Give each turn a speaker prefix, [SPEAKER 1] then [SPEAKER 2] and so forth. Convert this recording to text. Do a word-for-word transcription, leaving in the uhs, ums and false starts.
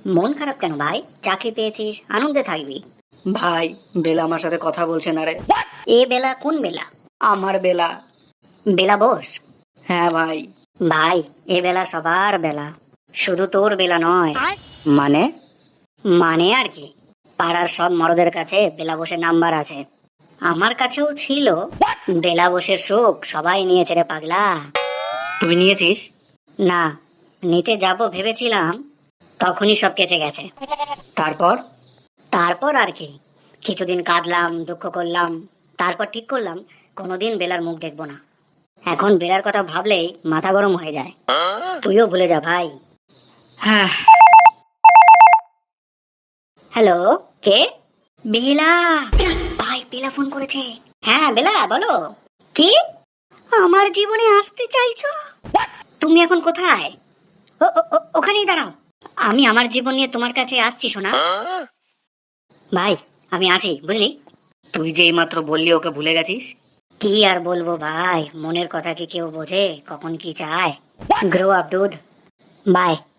[SPEAKER 1] মন খারাপ কেন ভাই? চাকরি পেয়েছিস, আনন্দে থাকবি।
[SPEAKER 2] ভাই, বেলা আমার সাথে কথা বলছে না রে।
[SPEAKER 1] এ বেলা কোন বেলা?
[SPEAKER 2] আমার বেলা।
[SPEAKER 1] বেলা বোস?
[SPEAKER 2] হ্যাঁ ভাই।
[SPEAKER 1] ভাই, এ বেলা সবার বেলা, শুধু তোর বেলা নয়।
[SPEAKER 2] মানে?
[SPEAKER 1] মানে আর কি, পাড়ার সব মরদের কাছে বেলা বসের নাম্বার আছে, আমার কাছেও ছিল। বেলা বসের সুখ সবাই নিয়েছে রে পাগলা।
[SPEAKER 2] তুই নিয়েছিস?
[SPEAKER 1] না, নিতে যাব ভেবেছিলাম, তখনই সব কেচে গেছে।
[SPEAKER 2] তারপর?
[SPEAKER 1] তারপর আর কি, কিছুদিন কাঁদলাম, দুঃখ করলাম, তারপর ঠিক করলাম কোনোদিন বেলার মুখ দেখবো না। এখন বেলার কথা ভাবলেই মাথা গরম হয়ে যায়। তুইও ভুলে যা ভাই।
[SPEAKER 2] হ্যাঁ।
[SPEAKER 1] হ্যালো, কে? বেলা? ভাই, বেলা ফোন করেছে। হ্যাঁ বেলা, বলো। কি? আমার জীবনে আসতে চাইছো? তুমি এখন কোথায়? ও- ও- ও- ওখানেই দাঁড়াও, আমি আমার জীবন নিয়ে তোমার কাছে আসছি শোনা। ভাই, আমি আসি, বুঝলি?
[SPEAKER 2] তুই যে এইমাত্র বললি ওকে ভুলে গেছিস।
[SPEAKER 1] কি আর বলবো ভাই, মনের কথা কি কেউ বোঝে, কখন কি চায়। Grow up dude, by.